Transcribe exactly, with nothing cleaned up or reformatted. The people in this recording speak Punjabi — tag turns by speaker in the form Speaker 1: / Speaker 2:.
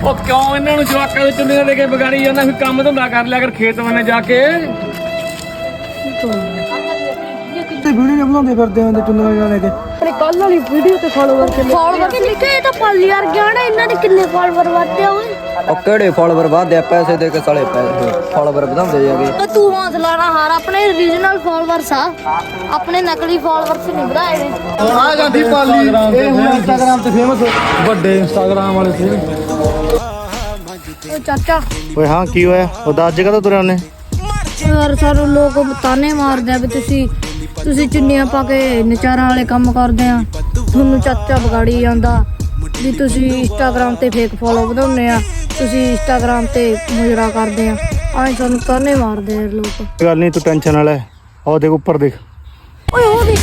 Speaker 1: ਉਹ ਕਿਉਂ ਇਹਨਾਂ ਨੂੰ ਜਵਾਕਾਂ ਦੇ ਚੁੰਨੀਆਂ ਦੇ ਕੇ ਵਿਗਾੜੀ ਜਾਂਦਾ? ਫਿਰ ਕੰਮ ਧੰਦਾ ਕਰ ਲਿਆ ਕਰ ਖੇਤ ਵੰਨੇ ਜਾ ਕੇ।
Speaker 2: ਤੇ ਵੀਡੀਓ ਬਣਾਉਂਦੇ ਫਿਰਦੇ ਹੁੰਦੇ ਚੁੰਨੀਆਂ ਲੈ ਕੇ।
Speaker 3: ਆਪਣੇ ਕੱਲ ਵਾਲੀ ਵੀਡੀਓ ਤੇ ਫਾਲੋਵਰ ਕਿੰਨੇ ਫਾਲੋਵਰ ਲਿਖੇ? ਇਹ ਤਾਂ ਪੱਲ ਯਾਰ ਗਿਆਣਾ ਇਹਨਾਂ ਦੇ ਕਿੰਨੇ ਫਾਲੋਵਰ ਵਧਦੇ ਓਏ।
Speaker 2: ਉਹ ਕਿਹੜੇ ਫਾਲੋਵਰ ਵਧਦੇ ਆ? ਪੈਸੇ ਦੇ ਕੇ ਸਾਲੇ ਪੈਸੇ ਫਾਲੋਵਰ ਵਧਾਉਂਦੇ ਜਾਗੇ।
Speaker 3: ਤਾਂ ਤੂੰ ਹੌਸਲਾ ਨਾ ਹਾਰ, ਆਪਣੇ ਰੀਜਨਲ ਫਾਲੋਵਰਸ ਆ, ਆਪਣੇ ਨਕਲੀ ਫਾਲੋਵਰਸ ਨਹੀਂ ਵਧਾਏ ਨੇ।
Speaker 2: ਆ ਜਾਂਦੀ ਪਾਲੀ ਇਹ ਹੁਣ ਇੰਸਟਾਗ੍ਰਾਮ ਤੇ ਫੇਮਸ ਵੱਡੇ ਇੰਸਟਾਗ੍ਰਾਮ ਵਾਲੇ ਸੀ।
Speaker 3: ਓ ਚਾਚਾ
Speaker 2: ਓਏ ਹਾਂ ਕੀ ਹੋਇਆ? ਉਹ ਦੱਸ ਜਗ੍ਹਾ ਤੋਂ ਤੁਰਿਆ ਉਹਨੇ।
Speaker 3: ਯਾਰ ਸਾਨੂੰ ਲੋਕ ਤਾਨੇ ਮਾਰਦੇ ਆ ਵੀ ਤੁਸੀਂ ਤੁਸੀਂ ਚੁੰਨੀਆਂ ਪਾ ਕੇ ਨਚਾਰਾਂ ਵਾਲੇ ਕੰਮ ਕਰਦੇ ਆ, ਤੁਹਾਨੂੰ ਚਾਚਾ ਵਿਗਾੜੀ ਜਾਂਦਾ ਵੀ ਤੁਸੀਂ ਇੰਸਟਾਗ੍ਰਾਮ ਤੇ ਫੇਕ ਫੋਲੋ ਵਧਾਉਂਦੇ ਆ, ਤੁਸੀਂ ਇੰਸਟਾਗ੍ਰਾਮ ਤੇ ਮੁਜਰਾ ਕਰਦੇ ਆ, ਆਏ ਸਾਨੂੰ ਤਾਨੇ ਮਾਰਦੇ ਆ ਲੋਕ।
Speaker 2: ਗੱਲ ਨਹੀਂ ਤੂੰ ਟੈਨਸ਼ਨ ਨਾ ਲੈ। ਉਹ ਦੇਖ ਉੱਪਰ ਦੇਖ।
Speaker 3: ਓਏ ਉਹ ਦੇਖ